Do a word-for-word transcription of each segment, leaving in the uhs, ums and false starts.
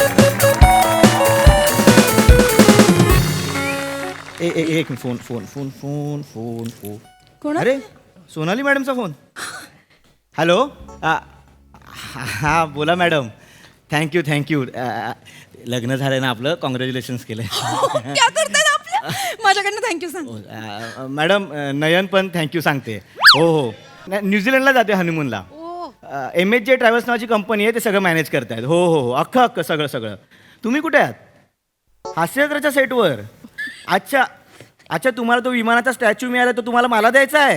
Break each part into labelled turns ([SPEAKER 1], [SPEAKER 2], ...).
[SPEAKER 1] ए, ए, एक minute phone phone phone phone phone phone
[SPEAKER 2] कोण?
[SPEAKER 1] अरे सोनाली मॅडमचा फोन. हॅलो हां बोला मॅडम. Thank you thank you. लग्न झालं ना आपलं, कॉंग्रॅच्युलेशन्स केलं.
[SPEAKER 2] क्या करताय आपल्या? माझ्याकडनं थँक्यू सांग.
[SPEAKER 1] अ, मॅडम अ, नयन पण थँक्यू सांगते. हो हो नाही, न्यूझीलंडला जाते हनीमूनला. एम एच जे ट्रॅव्हल्स नावाची कंपनी आहे, ते सगळं मॅनेज करतायत. हो हो हो अख्खं अख्खं सगळं सगळं. तुम्ही कुठे आहात? हास्यजत्राच्या सेटवर. अच्छा अच्छा तुम्हाला तो विमानाचा स्टॅच्यू मिळाला, तो तुम्हाला मला द्यायचा आहे.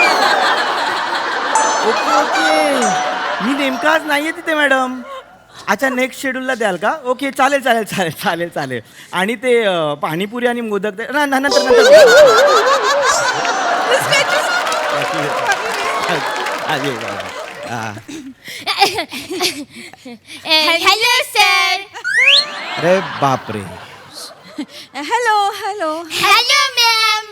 [SPEAKER 1] ओके ओके मी नेमका आज नाही आहे तिथे मॅडम. अच्छा नेक्स्ट शेड्यूलला द्याल का? ओके चालेल चालेल चालेल चालेल चालेल. आणि ते अ, पाणीपुरी आणि मोदक ते ना ना- नंतर नंतर आजी, हा.
[SPEAKER 3] Hello sir.
[SPEAKER 1] अरे बापरे.
[SPEAKER 2] Hello hello.
[SPEAKER 3] Hello ma'am.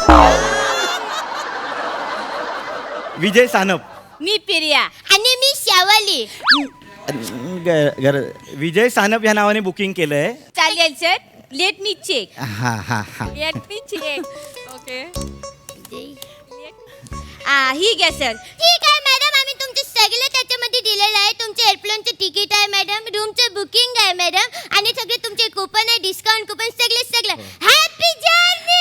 [SPEAKER 1] Vijay Sanap.
[SPEAKER 3] मी प्रिया आणि मी शावली.
[SPEAKER 1] ग- घर विजय सानप या नावाने बुकिंग केलंय.
[SPEAKER 3] चालेल सर. Let me check.
[SPEAKER 1] हा हा हा.
[SPEAKER 3] Let me check. ओके. आ ही घ्या सर. ठीक आहे मॅडम, आम्ही तुमचे सगळे त्याच्यामध्ये दिलेलं आहे. तुमचे एअरप्लेनचं तिकीट आहे मॅडम, रूमचं बुकिंग आहे मॅडम, आणि सगळे तुमचे कूपन आहे, डिस्काउंट कूपन, सगळे सगळं. Happy journey.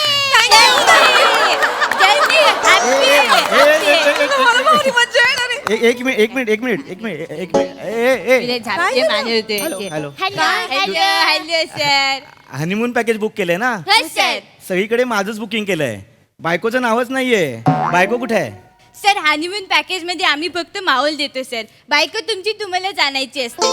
[SPEAKER 2] मला भारी मज्जा येणार आहे.
[SPEAKER 1] एक एक मिनिट एक मिनिट एक मिनिट एक मिनिट एक मिनिट ए ए hello hello.
[SPEAKER 3] Hello hello sir.
[SPEAKER 1] Honeymoon package book केलंय ना?
[SPEAKER 3] हो सर.
[SPEAKER 1] सगळीकडे माझंच बुकिंग केलंय. बायकोचं नावच नाहीये. बायको कुठे आहे?
[SPEAKER 3] सर हनीमून पॅकेज मध्ये आम्ही फक्त माहोल देतो सर. बायको तुमची तुम्हाला जाणायची असते.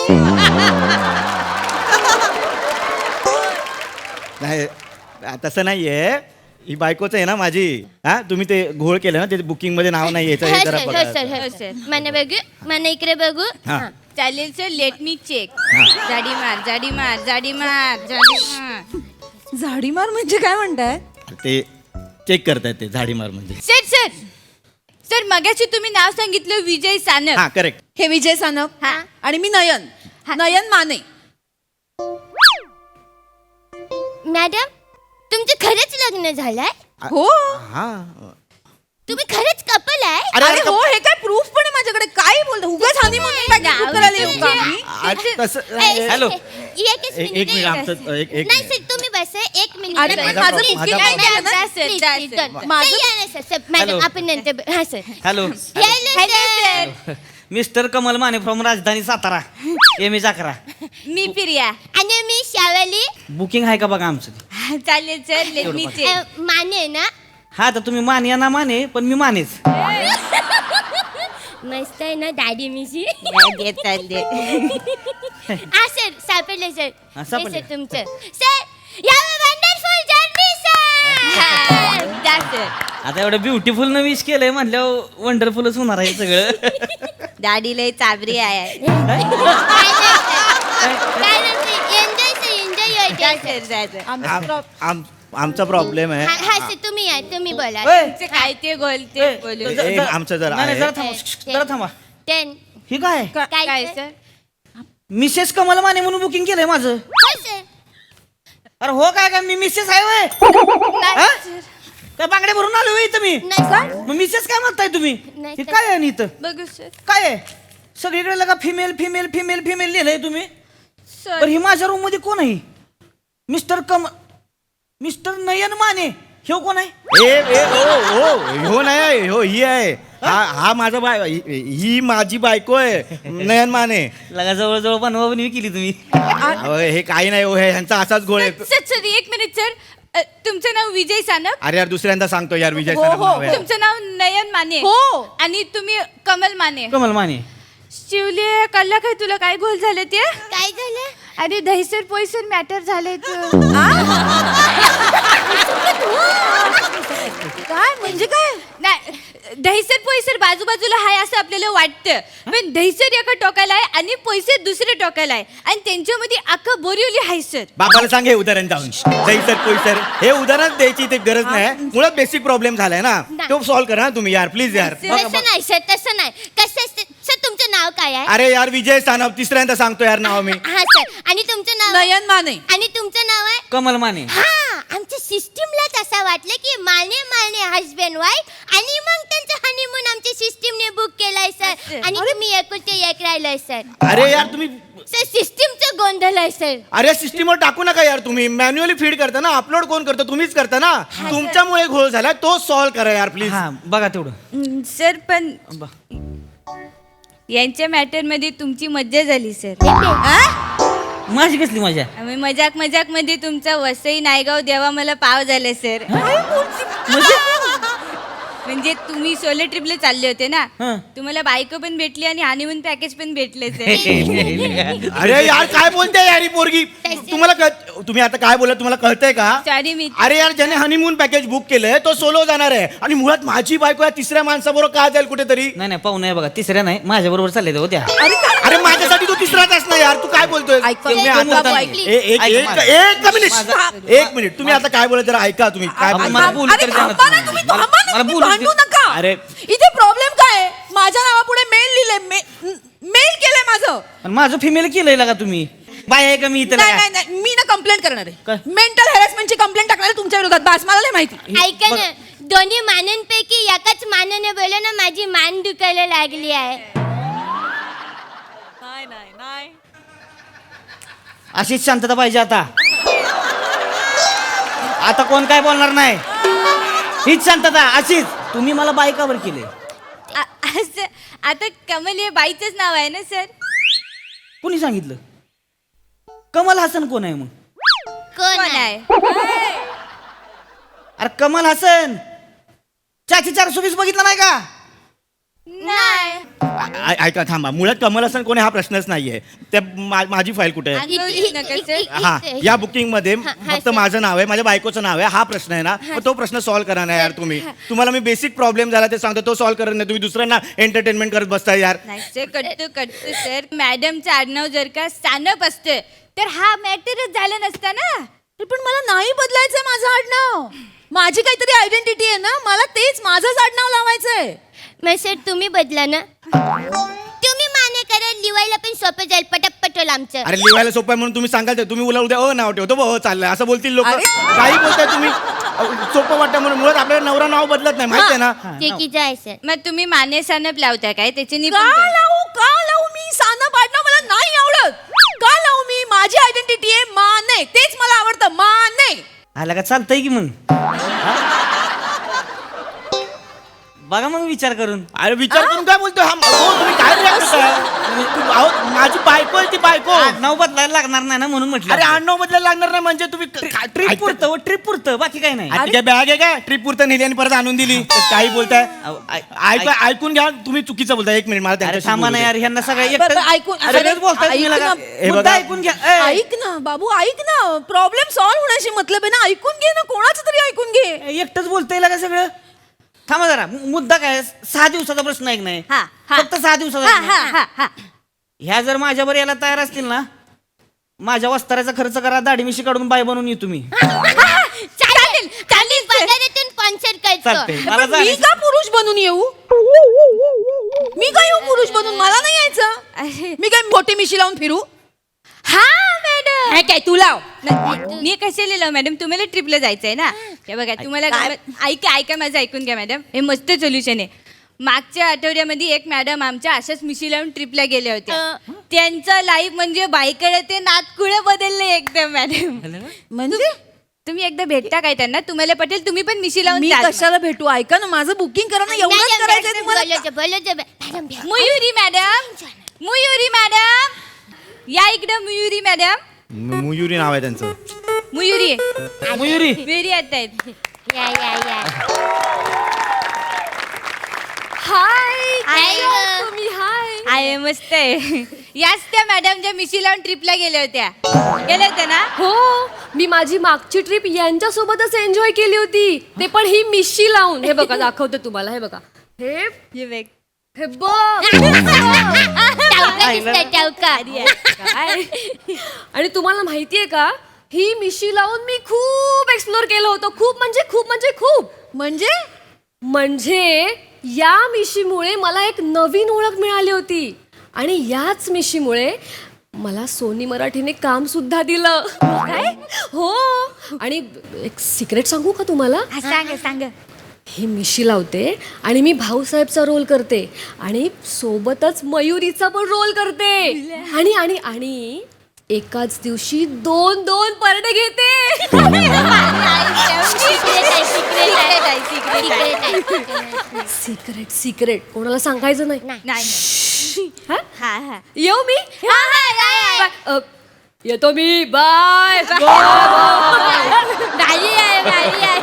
[SPEAKER 1] नाही तसं नाहीये. ही बायकोच आहे ना माझी. हा तुम्ही ते घोळ केलं ना, ते बुकिंग मध्ये नाव नाही यायचं, हे जरा
[SPEAKER 3] हो
[SPEAKER 1] बघा.
[SPEAKER 3] सर हो सर. मला बघू, मला इकडे बघू.
[SPEAKER 1] हा.
[SPEAKER 3] चालेल सर. Let me check.
[SPEAKER 1] हा.
[SPEAKER 3] जाडी मार जाडी मार जाडी मार जाडी मार.
[SPEAKER 2] झाडी मार म्हणजे काय म्हणताय?
[SPEAKER 1] ते चेक करतायत ते झाडी मार म्हणजे.
[SPEAKER 3] सर सर सर मगाशी तुम्ही नाव सांगितलं विजय सानप.
[SPEAKER 1] हा करेक्ट.
[SPEAKER 2] हे विजय सानप.
[SPEAKER 3] हा.
[SPEAKER 2] आणि मी नयन. नयन माने.
[SPEAKER 3] मॅडम तुमचं खरंच लग्न झालंय?
[SPEAKER 2] हो.
[SPEAKER 1] हा
[SPEAKER 3] तुम्ही खरंच कपल आहे?
[SPEAKER 1] अरे,
[SPEAKER 2] अरे हो, हे काय प्रूफ पण आहे माझ्याकडे. काय बोलतो उगाच हनीमून पॅकेज बुक करायला येऊ का आम्ही?
[SPEAKER 1] आज तसं
[SPEAKER 3] ए,
[SPEAKER 1] हॅलो
[SPEAKER 3] एकच
[SPEAKER 1] एक-
[SPEAKER 3] मिनिट,
[SPEAKER 1] एक मिनिट,
[SPEAKER 3] एकच.
[SPEAKER 1] आमचं- एक- एक
[SPEAKER 3] नाही
[SPEAKER 1] मिनिट.
[SPEAKER 3] सर तुम्ही बस एक मिनिट.
[SPEAKER 2] अरे,
[SPEAKER 3] बस.
[SPEAKER 2] माझा-
[SPEAKER 3] Please,
[SPEAKER 1] माझा-
[SPEAKER 3] नाही,
[SPEAKER 1] माझा-
[SPEAKER 3] नाही, जा, सर, जा,
[SPEAKER 2] Please,
[SPEAKER 3] सर.
[SPEAKER 2] please.
[SPEAKER 3] नाही, नाही, नाही, सर, सर, मॅडम,
[SPEAKER 4] हॅलो.
[SPEAKER 3] आपण नंतर हा sir.
[SPEAKER 4] Hello
[SPEAKER 3] hello sir.
[SPEAKER 4] Mister Kamal Mane from Rajdhani Satara M H अकरा.
[SPEAKER 3] मी प्रिया आणि मी शावली.
[SPEAKER 4] बुकिंग आहे का बघा आमचं?
[SPEAKER 3] चालेल sir. Let me check. Mane ना?
[SPEAKER 4] हा तर तुम्ही माने या ना माने, पण मी मानेच.
[SPEAKER 3] मस्त आहे ना दाढी मिशी. हा सर सापडले सर.
[SPEAKER 4] हा,
[SPEAKER 3] हे
[SPEAKER 4] सापडले.
[SPEAKER 3] सर तुमचं. सर या वंडरफुल जर्नी सर. जा सर.
[SPEAKER 4] आता एवढं ब्युटिफुल न विश केलंय म्हटल्यावर वंडरफुलच होणार आहे सगळं.
[SPEAKER 3] दाढी लय चाबरी आहे. Enjoy sir enjoy.
[SPEAKER 1] आम- आम- आमचा प्रॉब्लेम आहे.
[SPEAKER 3] हा सर तुम्ही या तुम्ही बोला.
[SPEAKER 4] ओय.
[SPEAKER 3] तुमचं काय ते बोलते
[SPEAKER 4] ओय.
[SPEAKER 3] बोलू.
[SPEAKER 1] ए, ए, आमचं जरा
[SPEAKER 4] नाही, नाही,
[SPEAKER 1] आहे.
[SPEAKER 4] जरा थांबा जरा थांबा.
[SPEAKER 3] टेन.
[SPEAKER 4] ही काय
[SPEAKER 3] काय काय सर?
[SPEAKER 4] मिसेस कमल माने म्हणून बुकिंग केलंय माझं.
[SPEAKER 3] हो सर.
[SPEAKER 4] अरे हो काय काय मी मिसेस आहे वय
[SPEAKER 3] नाही सर.
[SPEAKER 4] काय बांगड्या भरून आलो होय इथं मी.
[SPEAKER 3] नाही सर.
[SPEAKER 4] मग मिसेस काय म्हणताय तुम्ही?
[SPEAKER 3] नाही,
[SPEAKER 4] हे
[SPEAKER 3] सर.
[SPEAKER 4] काय आहे आणि इथं
[SPEAKER 3] बघू सर.
[SPEAKER 4] काय आहे? सगळीकडे लगा फिमेल फिमेल फिमेल फिमेल लिहिलंय तुम्ही.
[SPEAKER 3] सर
[SPEAKER 4] पण ही माझ्या रूम मध्ये कोण आहे? Mister come mister Nayan Mane हे कोण आहे?
[SPEAKER 1] ए ए ओ ओ हो नाही हो ही आहे. हा हा माझा बाय ही ही माझी बायको आहे नयन माने.
[SPEAKER 4] लगा जवळ जवळ बनवा बनवी केली तुम्ही.
[SPEAKER 1] अहो, हे काही नाही हो, हे ह्यांचा असाच गोळ आहे.
[SPEAKER 3] सर सर एक मिनिट सर. अ, तुमचं नाव विजय सानप?
[SPEAKER 1] अरे यार दुसऱ्यांदा सांगतो यार विजय
[SPEAKER 2] हो,
[SPEAKER 1] सानप
[SPEAKER 2] हो,
[SPEAKER 1] नाव आहे.
[SPEAKER 3] तुमचं नाव नयन माने?
[SPEAKER 2] हो.
[SPEAKER 3] आणि तुम्ही कमल माने?
[SPEAKER 4] कमल माने.
[SPEAKER 3] शिवले कल्ला काय तुला काय गोल झालं ते? काय झालं? अरे दहीसर पोईसर मॅटर झालंय
[SPEAKER 2] काय म्हणजे काय?
[SPEAKER 3] नाही दहीसर पोईसर बाजूबाजूला हाय असं आपल्याला वाटतं, पण दहीसर एका टोकाला आहे आणि पोईसर दुसऱ्या टोकाला आहे आणि त्यांच्यामध्ये अख्खं बोरिवली हाय सर.
[SPEAKER 1] बाबाला सांग हे उदाहरण जाऊन जैसर कोईसर हे उदाहरण द्यायची ते गरज नाही. मुळात बेसिक प्रॉब्लेम झालाय ना, तो सॉल्व्ह करा ना तुम्ही यार प्लीज यार.
[SPEAKER 3] तसं नाही सर, तसं नाही. कसं असतं सर, तुमचं नाव काय आहे?
[SPEAKER 1] अरे यार विजय सानप, तिसऱ्यांदा सांगतो यार नाव मी.
[SPEAKER 3] हा सर. आणि तुमचं नाव?
[SPEAKER 2] नयन माने.
[SPEAKER 3] आणि तुमचं नाव आहे?
[SPEAKER 4] कमल माने.
[SPEAKER 3] हा, आमच्या सिस्टीमलाच असं वाटलं की माने माने हजबंड वाईफ आणि मग त्यांचं हनीमून आमच्या सिस्टीमने बुक केलाय सर. आणि तुम्ही एकुलते एक राहिलंय सर.
[SPEAKER 1] अरे यार तुम्ही,
[SPEAKER 3] सर सिस्टीमचं गोंधळ आहे सर.
[SPEAKER 1] अरे सिस्टीमवर टाकू नका यार तुम्ही. मॅन्युअली फीड करता ना, अपलोड कोण करतो? तुम्हीच करता ना. तुमच्यामुळे घोळ झाला, तो सॉल्व्ह करा यार प्लीज.
[SPEAKER 4] हा बघा तेवढं.
[SPEAKER 5] सर पण
[SPEAKER 4] ब-
[SPEAKER 5] यांच्या मॅटर मध्ये तुमची मज्जा झाली सर.
[SPEAKER 4] माझी कसली मजा.
[SPEAKER 5] आम्ही मजाक मजाक मध्ये तुमचा वसई नायगाव देवा मला पाव झाले सर. म्हणजे तुम्ही सोलो ट्रिपला चालले होते ना,
[SPEAKER 4] हं.
[SPEAKER 5] तुम्हाला बायको पण भेटली आणि हनीमून पॅकेज पण भेटले सर.
[SPEAKER 1] अरे यार काय बोलते यार ही पोरगी. तुम्हाला कळ- तुम्ही आता काय बोलत तुम्हाला कळतंय का?
[SPEAKER 5] सॉरी मी
[SPEAKER 1] अरे यार ज्याने हनीमून पॅकेज बुक केलंय तो सोलो जाणार आहे आणि मुळात माझी बायको या तिसऱ्या माणसाबरोबर का जाईल कुठेतरी?
[SPEAKER 4] नाही नाही पाहू नाही बघा, तिसऱ्या नाही माझ्या बरोबर चालले होत्या.
[SPEAKER 1] अरे माझ्यासाठी तू तिसराच असणार यार. तू काय बोलतोय?
[SPEAKER 2] ऐक,
[SPEAKER 1] तुम्ही
[SPEAKER 3] ऐक,
[SPEAKER 1] आता-
[SPEAKER 3] बाबू,
[SPEAKER 1] ए- एक
[SPEAKER 4] ऐक,
[SPEAKER 1] एक-
[SPEAKER 4] माझं-
[SPEAKER 1] एक मिनिट
[SPEAKER 4] माझं-
[SPEAKER 1] एक मिनिट तुम्ही आता काय बोलत जरा ऐका तुम्ही काय
[SPEAKER 4] आपण-
[SPEAKER 1] बोलताय?
[SPEAKER 4] मला बोलू
[SPEAKER 2] अरे
[SPEAKER 4] तर द्या ना
[SPEAKER 2] थांबा ना
[SPEAKER 4] तुम्ही.
[SPEAKER 2] तुम्ही,
[SPEAKER 4] मला-
[SPEAKER 2] थांबा ना
[SPEAKER 4] मला
[SPEAKER 2] तुम्ही,
[SPEAKER 4] बोलू
[SPEAKER 2] भांडू
[SPEAKER 4] दे.
[SPEAKER 2] नका.
[SPEAKER 1] अरे
[SPEAKER 2] इथे प्रॉब्लेम काय आहे? माझ्या नावापुढे मेल लिहिलंय, मेल केलंय माझं.
[SPEAKER 4] पण माझं फिमेल केलंय का तुम्ही? बाय आहे का मी इथं?
[SPEAKER 2] नाही नाही नाही, मी ना कंप्लेंट करणार
[SPEAKER 4] काय?
[SPEAKER 2] आहे. मेंटल हॅरेसमेंटची कंप्लेंट टाकणार आहे तुमच्या विरोधात. बास, मला नाही माहिती.
[SPEAKER 3] ऐका ना, दोन्ही मानांपैकी एकाच मानाने बोला ना, माझी मान दुखायला लागली आहे.
[SPEAKER 2] नाही नाही नाही.
[SPEAKER 4] अशीच शांतता पाहिजे आता. आता कोण काय बोलणार नाही. हीच शांतता अशीच. तुम्ही मला बायकावर केले.
[SPEAKER 5] आ- असं आता कमल हे बाईचंच नाव आहे ना सर.
[SPEAKER 4] कोणी सांगितलं? कमल हसन कोण आहे मग?
[SPEAKER 3] कोण
[SPEAKER 5] कोण
[SPEAKER 3] आहे?
[SPEAKER 5] आहे?
[SPEAKER 4] अरे कमल हसन चाची चार सुवीस बघितला नाही का?
[SPEAKER 5] नाही.
[SPEAKER 1] ऐ- ऐका थांबा. मुळात कमल हसन कोणी हा प्रश्नच नाहीये. त्या मा- माझी फाईल कुठे आहे?
[SPEAKER 5] अंगावर येऊ नका सर.
[SPEAKER 1] हा या बुकिंग मध्ये
[SPEAKER 3] हा, हा,
[SPEAKER 1] फक्त
[SPEAKER 3] सर.
[SPEAKER 1] माझं नाव आहे, माझ्या बायकोचं नाव आहे. हा प्रश्न आहे ना, मग तो प्रश्न सॉल्व्ह करा ना यार तुम्ही. तुम्हाला मी बेसिक प्रॉब्लेम झाला ते सांगतो, तो सॉल्व्ह करत नाही. तुम्ही दुसऱ्यांना एंटरटेनमेंट करत बसताय यार.
[SPEAKER 5] नाही सर, कटतो कटतो सर. मॅडमचं आडनाव जर का सानप असतं तर हा मॅटरच झाला नसता ना.
[SPEAKER 2] अरे पण मला नाही बदलायचंय माझं आडनाव. माझी काहीतरी आयडेंटिटी आहे ना, मला तेच माझंच आडनाव लावायचंय.
[SPEAKER 3] मग सर तुम्ही बदला ना. तुम्ही माने करा, लिवायला पण सोपं जाईल. पटपट होईल आमचं.
[SPEAKER 1] अरे लिहायला सोपं आहे म्हणून तुम्ही सांगाल ते. तुम्ही उला उद्या अ नाव ठेवतो ब चाललंय असं बोलतील लोक.
[SPEAKER 2] अरे.
[SPEAKER 1] काही बोलताय तुम्ही. अ, सोपं वाटतं म्हणून. मुळात आपल्याला नवरा नाव बदलत नाही माहिती आहे ना.
[SPEAKER 3] चुकीचं आहे सर.
[SPEAKER 5] मग तुम्ही माने सानप लावता काय त्याची
[SPEAKER 2] का
[SPEAKER 5] निपुण कर-
[SPEAKER 2] लावू का लावू मी सानप आडनाव? मला नाही आवडत. का लावू मी? माझी आयडेंटिटी आहे माने, तेच मला आवडतं, माने.
[SPEAKER 4] आला का चालतंय की मग? बघा मग विचार करून.
[SPEAKER 1] अरे विचार करून काय बोलतोय हा? हो, तुम्ही काय react करताय? तू- अहो, माझी बायको आहे ती बायको.
[SPEAKER 4] नाव बदलायला लागणार नाही ना म्हणून म्हटलं.
[SPEAKER 1] अरे आडनाव बदलायला लागणार नाही म्हणजे तुम्ही
[SPEAKER 4] ट्रिप पुरतं ट्रिप पुरतं बाकी काय नाही.
[SPEAKER 1] आणि काय बॅग आहे काय? ट्रिप पुरतं नेली आणि परत आणून दिली. काही बोलताय?
[SPEAKER 4] अहो, ऐ-
[SPEAKER 1] ऐक ऐकून घ्या. तुम्ही चुकीचं बोलताय. एक मिनिट मला
[SPEAKER 4] अरे
[SPEAKER 1] त्यांच्याशी
[SPEAKER 4] थांबा
[SPEAKER 1] बोलू
[SPEAKER 4] ना
[SPEAKER 1] दे.
[SPEAKER 4] यार, ह्यांना सगळं
[SPEAKER 2] बरं,
[SPEAKER 4] एकटं-
[SPEAKER 2] बरं, ऐकून-
[SPEAKER 4] अरे
[SPEAKER 2] अरे,
[SPEAKER 4] बोलताय तुम्ही
[SPEAKER 2] ऐक
[SPEAKER 4] लगा.
[SPEAKER 2] ना.
[SPEAKER 1] हे
[SPEAKER 4] मुद्दा
[SPEAKER 1] बघा.
[SPEAKER 4] ऐकून घ्या. ए,
[SPEAKER 2] ऐक ना बाबू, ऐक ना. प्रॉब्लेम सॉल्व्ह होण्याशी मतलब आहे ना. ऐकून घे ना, कोणाचं तरी ऐकून घे.
[SPEAKER 4] एकटंच बोलतंय का सगळं? थांबा जरा. मु- मुद्दा काय? सहा दिवसाचा प्रश्न आहे की नाही?
[SPEAKER 5] हा, हा.
[SPEAKER 4] फक्त सहा दिवसाचा
[SPEAKER 5] हा,
[SPEAKER 4] आहे
[SPEAKER 5] हा,
[SPEAKER 4] ना?
[SPEAKER 5] हा, हा.
[SPEAKER 4] ह्या जर माझ्यावर यायला तयार असतील ना, माझ्या वस्त्राचा खर्च करा, दाढी मिशी काढून बाय बनवून ये तुम्ही.
[SPEAKER 3] चालेल चालेल. पगारातून स्पॉन्सर करतो.
[SPEAKER 4] चालतंय. मला
[SPEAKER 2] पण मी
[SPEAKER 4] जायचं.
[SPEAKER 2] का पुरुष बनून येऊ? मी का येऊ पुरुष बनून? मला नाही यायचं. मी काय मोठी मिशी लावून फिरू?
[SPEAKER 5] हा मॅडम.
[SPEAKER 2] हे काय तू लाव.
[SPEAKER 5] नाही, मी कशाला लिहिलं मॅडम? तुम्हाला ट्रिपला जायचंय ना. हे बघा तुम्हाला
[SPEAKER 2] काय?
[SPEAKER 5] गावात- ऐका ऐका माझं ऐकून घ्या मॅडम. हे मस्त सोल्युशन आहे. मागच्या आठवड्यामध्ये एक मॅडम आमच्या अशाच मिशी लावून ट्रिपला गेल्या होत्या. त्यांचं लाईफ म्हणजे बाईकडे ते नातकुळे बदलले एकदम मॅडम.
[SPEAKER 2] म्हणजे
[SPEAKER 5] तुम्ही एकदा भेटता काय त्यांना? तुम्हाला पटेल. तुम्ही पण मिशी लावून
[SPEAKER 2] मी
[SPEAKER 5] जा.
[SPEAKER 2] कशाला भेटू? ऐका ना, माझं बुकिंग करा ना. एवढंच
[SPEAKER 3] मॅडम,
[SPEAKER 2] करायचंय
[SPEAKER 3] मॅडम,
[SPEAKER 2] तुम्हाला.
[SPEAKER 3] बोलायचं, बोलायचं. मॅडम, भ्या.
[SPEAKER 5] मयुरी मॅडम. मयुरी मॅडम या इकडं. मयुरी मॅडम.
[SPEAKER 1] म- मयुरी नाव आहे त्यांचं.
[SPEAKER 5] मयुरी
[SPEAKER 4] मयुरी
[SPEAKER 5] मयुरी येत आहेत.
[SPEAKER 3] या या या.
[SPEAKER 5] हाय
[SPEAKER 3] हाय ग.
[SPEAKER 5] तुम्ही. हाय आहे मस्त आहे. याच त्या मॅडम ज्या मिशी लावून ट्रिपला गेल्या होत्या. गेल्या होत्या ना?
[SPEAKER 6] हो, मी माझी मागची ट्रिप यांच्या सोबतच एन्जॉय केली होती. ते पण ही मिशी लावून. हे बघा दाखवते तुम्हाला. हे बघा. हे
[SPEAKER 5] ये बघ.
[SPEAKER 6] हे बघ.
[SPEAKER 3] टावका दिसतंय, टावका.
[SPEAKER 6] काय? आणि तुम्हाला माहितीये का, ही मिशी लावून मी खूप एक्सप्लोर केलं होतं. खूप म्हणजे खूप म्हणजे खूप.
[SPEAKER 2] म्हणजे
[SPEAKER 6] म्हणजे या मिशीमुळे मला एक नवीन ओळख मिळाली होती. आणि याच मिशीमुळे मला सोनी मराठीने काम सुद्धा दिलं काय हो आणि एक सिक्रेट सांगू का तुम्हाला
[SPEAKER 5] हा, सांग सांग
[SPEAKER 6] ही मिशी लावते आणि मी भाऊसाहेबचा रोल करते आणि सोबतच मयुरीचा पण रोल करते आणि आणि आणि एकाच दिवशी दोन दोन परडे घेते सिक्रेट सिक्रेट कोणाला सांगायचं नाही
[SPEAKER 5] नाही
[SPEAKER 6] हा?
[SPEAKER 5] हा हा
[SPEAKER 6] येऊ मी
[SPEAKER 3] हा,
[SPEAKER 6] अ, येतो मी बाय
[SPEAKER 3] भारी आहे भारी आहे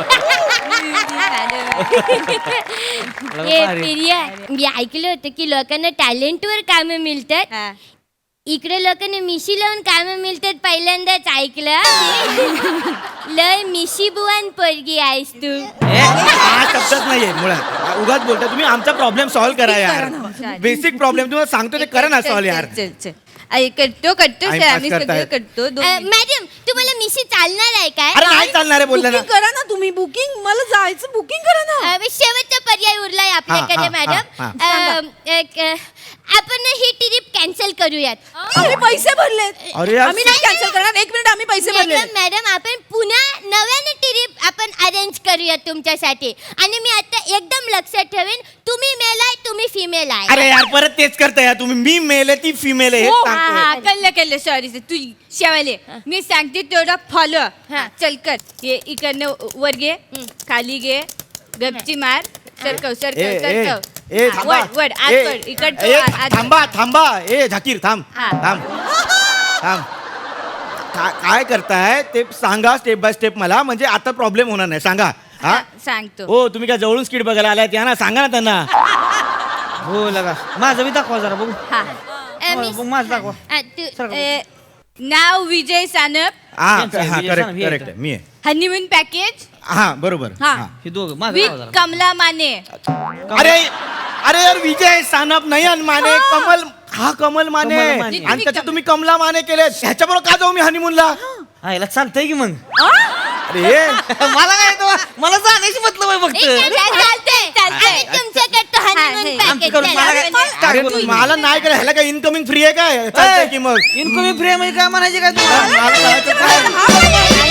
[SPEAKER 3] ए प्रिया मी ऐकलं होतं की लोकांना टॅलेंटवर कामं मिळतात
[SPEAKER 5] हा.
[SPEAKER 3] इकडे लोकांना मिशी लावून कामं मिळतात पहिल्यांदाच ऐकलं लय मिशी बुवान पोरगी आहेस तू
[SPEAKER 1] हा शब्दच नाहीये मुळात उगाच बोलता तुम्ही आमचा प्रॉब्लेम सॉल्व्ह करा यार बेसिक प्रॉब्लेम तुम्हाला सांगतो ते करा ना सॉल्व्ह यार
[SPEAKER 5] चल चल अरे करतो करतो
[SPEAKER 1] Time
[SPEAKER 5] सर
[SPEAKER 1] pass
[SPEAKER 5] आम्ही सगळं
[SPEAKER 1] करतायत.
[SPEAKER 5] करतो दोन
[SPEAKER 3] अ, मॅडम तुम्हाला मिशी चालणार आहे काय
[SPEAKER 1] अरे नाही चालणार आहे बोललं ना
[SPEAKER 2] बुकिंग करा ना तुम्ही बुकिंग मला जायचं बुकिंग करा ना
[SPEAKER 3] अ, शेवटचा पर्याय उरलाय आपल्याकडे
[SPEAKER 1] हा, हा,
[SPEAKER 3] मॅडम
[SPEAKER 1] हा,
[SPEAKER 3] अ, एक, अ, आपण ही ट्रिप कॅन्सल करूयात
[SPEAKER 2] आम्ही पैसे भरलेत
[SPEAKER 1] अरे यार,
[SPEAKER 2] आम्ही नाही कॅन्सल करणार एक मिनिट आम्ही पैसे भरले
[SPEAKER 3] मॅडम मॅडम आपण पुन्हा नव्याने ट्रिप आपण अरेंज करूयात तुमच्यासाठी आणि मी आता एकदम लक्षात ठेवेन तुम्ही मेल आहे तुम्ही फिमेल आहे
[SPEAKER 1] अरे यार परत तेच करताय यार तुम्ही मी मेल आहे ती फिमेल आहे हे
[SPEAKER 5] हा
[SPEAKER 1] सांगतोय.
[SPEAKER 5] हा कळलं कळलं सॉरी तू शेवाले मी सांगते तेवढा फॉलो
[SPEAKER 3] हा.
[SPEAKER 5] चल कर ये इकडनं वर घे खाली घे गपची मार सरकव
[SPEAKER 1] ए,
[SPEAKER 5] सरकव
[SPEAKER 1] ए,
[SPEAKER 5] सरकव
[SPEAKER 1] ए,
[SPEAKER 5] हा,
[SPEAKER 1] थांबा.
[SPEAKER 5] वड वड आत
[SPEAKER 1] ए,
[SPEAKER 5] वड इकडचं
[SPEAKER 1] ए,
[SPEAKER 5] आत- आत वड.
[SPEAKER 1] थांबा थांबा ए झाकीर थांब
[SPEAKER 5] हा.
[SPEAKER 1] थांब थांब का- काय करताय ते सांगा स्टेप बाय स्टेप मला म्हणजे आता प्रॉब्लेम होणार नाही सांगा हा
[SPEAKER 5] हा, सांगतो
[SPEAKER 1] हो तुम्ही काय जवळून स्किट बघायला आलाय या ना सांगा ना त्यांना
[SPEAKER 4] हो लगा माझं बी दाखवा जरा बघू
[SPEAKER 5] हा
[SPEAKER 3] अ, मी-
[SPEAKER 4] बघ, माझं दाखवा
[SPEAKER 3] अ, तू-
[SPEAKER 5] ए, नाव विजय सानप
[SPEAKER 1] हा
[SPEAKER 4] यांचं आहे,
[SPEAKER 1] हा
[SPEAKER 4] विजय
[SPEAKER 1] करेक्ट
[SPEAKER 4] सानप, हे
[SPEAKER 1] करेक्ट
[SPEAKER 4] आहे
[SPEAKER 1] मी आहे
[SPEAKER 5] हनीमून पॅकेज
[SPEAKER 1] हा बरोबर
[SPEAKER 5] हा.
[SPEAKER 1] हा.
[SPEAKER 4] हे दोघं माझं
[SPEAKER 5] विथ
[SPEAKER 4] दाखवा जरा
[SPEAKER 5] कमला माने
[SPEAKER 1] अरे अरे यार विजय सानप नयन माने कमल हा कमल माने
[SPEAKER 4] कमल माने.
[SPEAKER 1] आणि त्याच्यात तुम्ही कमला माने केले ह्याच्याबरोबर का जाऊ मी हनीमूनला
[SPEAKER 4] हा याला चालतंय की मग
[SPEAKER 1] अरे हे
[SPEAKER 4] मला काय येतं? मला जाण्याची मतलब आहे
[SPEAKER 3] ए,
[SPEAKER 4] फक्त
[SPEAKER 3] चालतंय, चालतंय.
[SPEAKER 5] चालतंय.
[SPEAKER 3] आम्ही तुमच्याकडे तो
[SPEAKER 5] हा,
[SPEAKER 3] honeymoon
[SPEAKER 5] हे.
[SPEAKER 3] package
[SPEAKER 4] आमच्याकडून
[SPEAKER 3] चला.
[SPEAKER 4] मला काय- काय
[SPEAKER 1] अरे
[SPEAKER 4] बोलू?
[SPEAKER 1] मला नाही करायला ह्याला काय इनकमिंग फ्री आहे काय चालतंय की मग
[SPEAKER 4] इनकमिंग फ्री म्हणजे काय म्हणायचे काय
[SPEAKER 1] मला
[SPEAKER 4] तुम्हाला
[SPEAKER 1] करायचं काय?
[SPEAKER 3] हा,